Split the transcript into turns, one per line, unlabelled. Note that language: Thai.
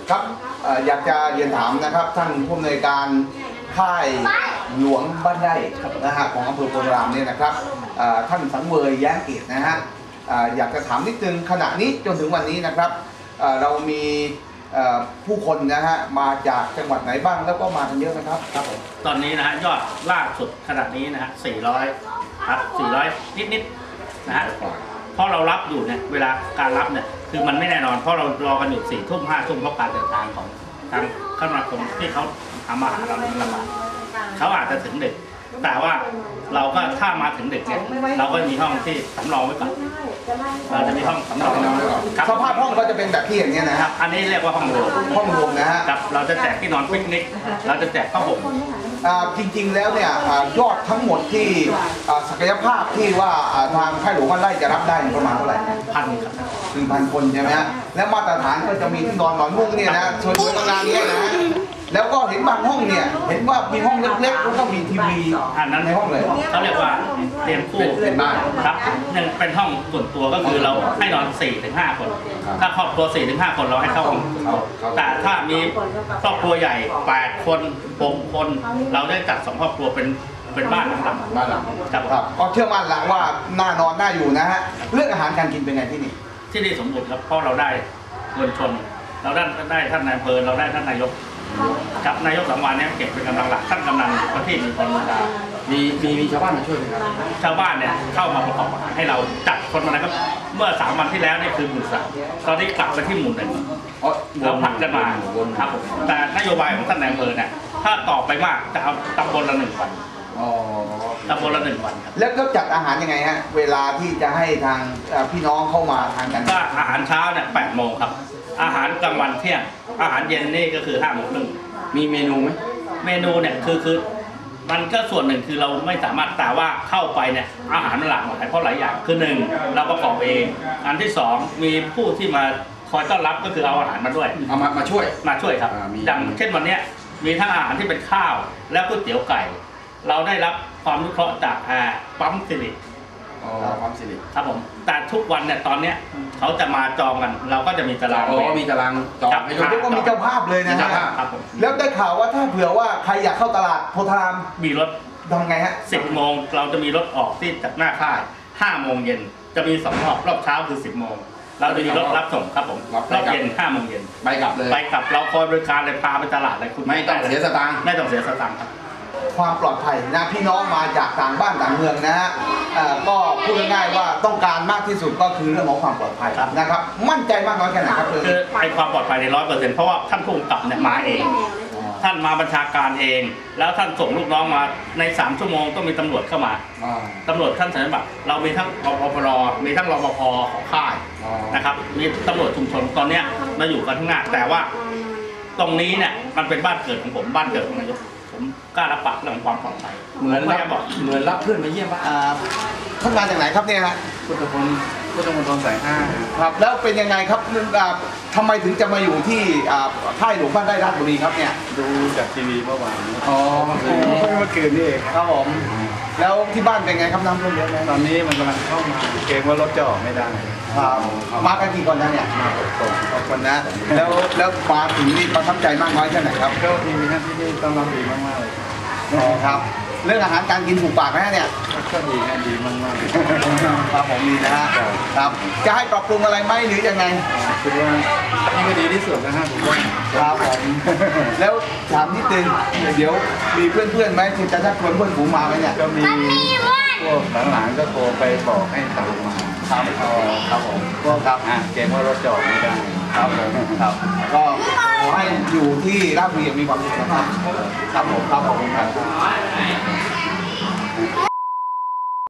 ครับอยากจะเรียนถามนะครับท่านผู้อำนวยการค่ายหลวงบ้านไร่นะฮะของอำเภอโพธารามเนี่ยนะครับท่านสังเวยแย้มเกียรตินะฮะอยากจะถามนิดนึงขณะนี้จนถึงวันนี้นะครับเรามีผู้คนนะฮะมาจากจังหวัดไหนบ้างแล้วก็มากันเยอะไหมครับครับผม
ตอนนี้นะฮะยอดล่าสุดขนาดนี้นะฮะ400ครับ400นิดๆนะฮะเพราะเรารับอยู่เนี่ยเวลาการรับเนี่ยคือมันไม่แน่นอนเพราะเรารอกันอยู่4 ทุ่ม 5 ทุ่มเพราะการเดินทางของทางคมนาคมที่เขาทำอาหารเราในลำบากเขาอาจจะถึงดึกแต่ว่าเราก็ถ้ามาถึงดึกเนี่ยเราก็มีห้องที่สำรองไว้ก่อนเราจะมีห้องสำรอง
สภาพห้องก็จะเป็นแบบที่อย่างนี้นะครับ
อันนี้เรียกว่าห้องรวม
นะฮะ
ครับเราจะแจกที่นอนปิกนิกเราจะแจกผ้าห่ม
จริงๆแล้วเนี่ยยอดทั้งหมดที่ศักยภาพที่ว่าทางค่ายหลวงบ้านไร่จะรับได้ประมาณเท่าไหร่
1,000ครับ
1,000 คนใช่ไหมฮะและมาตรฐานก็จะมีที่นอนหมอนมุ้งเนี่ยนะส่วนตัวงานนี้นะแล้วก็เห็นบางห้องเนี่ยเห็นว่ามีห้องเล็กๆแล้วก็มีทีวี
อันนั้น
ในห้องเลย
เขาเรียกว่าเตียงคู่
เป็นบ้าน
ครับหนึ่งเป็นห้องส่วนตัวก็คือเราให้นอน 4-5 คนถ้าครอบครัว 4-5 คนเราให้เข้าห้องแต่ถ้ามีครอบครัวใหญ่8 คน6 คนเราได้จัด2 ครอบครัวเป็นบ้านหลัง
ครับก็เชื่อมั่นละว่าน่านอนน่าอยู่นะฮะเรื่องอาหารการกินเป็นไงที่
นี่สมบูรณ์ครับเพราะเราได้มวลชนเราได้ท่านนายอำเภอเราได้ท่านนายกกับนายกสังวานเนี่ยเก็บเป็นกำลังหลักท่านกำนันประทีปมีคนมา
มีชาวบ้านมาช่วยไหมครับ
ชาวบ้านเนี่ยเข้ามาประกอบอาหารให้เราจัดคนมานะครับเมื่อ3 วันที่แล้วนี่คือหมู่ 3ตอนนี้กลับไปที่หมู่ 1เราผลักกันมาครับผมแต่นโยบายของท่านนายอำเภอเนี่ยถ้าต่อไปมากจะเอาตำบลละ1 วันตำบลละ1 วันครับ
แล้วก็จัดอาหารยังไงฮะเวลาที่จะให้ทางพี่น้องเข้ามาทานกัน
ก็อาหารเช้าเนี่ย8 โมงครับอาหารกลางวันเที่ยงอาหารเย็นนี่ก็คือ5 โมงครึ่ง
มีเมนูไหม
เมนูเนี่ยคือมันก็ส่วนหนึ่งคือเราไม่สามารถแต่ว่าเข้าไปเนี่ยอาหารมันหลากหลายเพราะหลายอย่างคือ1เราประกอบเองอันที่2มีผู้ที่มาคอยต้อนรับก็คือเอาอาหารมาด้วย
เอามาช่
วยครับอย่างเช่นวันนี้มีทั้งอาหารที่เป็นข้าวและก๋วยเตี๋ยวไก่เราได้รับความอนุเคราะห์จากปั๊มสิริ
ปั๊มสิริ
ครับผมแต่ทุกวันเนี่ยตอนเนี้ยเขาจะมาจองกันเราก็จะมีตาราง
มีตารางจอง
ให้ดูก็มีเจ้าภาพเลยนะฮะแล้วได้ข่าวว่าถ้าเผื่อว่าใครอยากเข้าตลาดโพธาราม
มีรถ
ทำไงฮะ
10 โมงเราจะมีรถออกที่จากหน้าค่าย5 โมงเย็นจะมี2 รอบเช้าคือ10 โมงเราจะมีรถรับส่งครับผมรอบเย็น5 โมงเย็น
ไปกลับเลย
ไปกลับเราคอยบริการเลยพาไปตลาดเลยคุณ
ไม่ต้องเสียสตางค์
ครับ
ความปลอดภัยนะพี่น้องมาจากต่างบ้านต่างเมืองนะฮะก็พูดง่ายๆว่าต้องการมากที่สุดก็คือเรื่องของความปลอดภัยนะครับมั่นใจมากน้อยแค่ไหนครับ
คือไอ้ความปลอดภัยใน100%เพราะว่าท่านผู้กำกับเนี่ยมาเองท่านมาบัญชาการเองแล้วท่านส่งลูกน้องมาใน3 ชั่วโมงต้องมีตำรวจเข้ามาตำรวจท่านสัญญาบัตรเรามีทั้งรปภมีทั้งรปภของค่ายนะครับมีตำรวจชุมชนตอนนี้มาอยู่กันทั้งหน้าแต่ว่าตรงนี้เนี่ยมันเป็นบ้านเกิดของผมบ้านเกิดของนายกผมกล้ารับปากเรื่องความปลอดภัย
เหมือนรับเพื่อนมาเยี่ยมบ้าน
ท่านมาจากไหนครับเนี่ยฮะ
พุทธมณฑลสาย 5
ครับแล้วเป็นยังไงครับทำไมถึงจะมาอยู่ที่ค่ายหลวงบ้านไร่ราชบุรีครับเนี่ย
ดูจากทีวีเมื่อวาน
เมื่อคืนนี่เองครับผมแล้วที่บ้านเป็นไงครับน้ำท่วมเยอะไหม
ตอนนี้มันกำลังเข้ามาเกรงว่ารถจะออกไม่ได้
ครับมากันกี่คนนะเนี่ย
มา6 คน
นะแล้วมาถึงนี่ประทับใจมากน้อยแค่ไหนครับ
ก็ทีท่านที่นี่ต้อนรับดีมากๆเลย
ครับเรื่องอาหารการกินถูกปากไหมเนี่ย
ก็ดีมาก
ๆครับผมดีนะฮะครับจะให้ปรับปรุงอะไรไหมหรือยังไง
คือว่านี่ก็ดีที่สุดนะฮะผมว่า
ครับผมแล้วถามนิดนึงเดี๋ยวมีเพื่อนไหมที่จะชักชวนเพื่อนฝูงมาไหมเนี่ย
ก็มีพวกหลังๆก็โทรไปบอกให้ตามมา
ครับผม
ก็ครับเกรงว่ารถจอดไม่ได้
ครับผมครับก็ขอให้อยู่ที่ราชบุรีมีความสุขนะครับครับผมครับ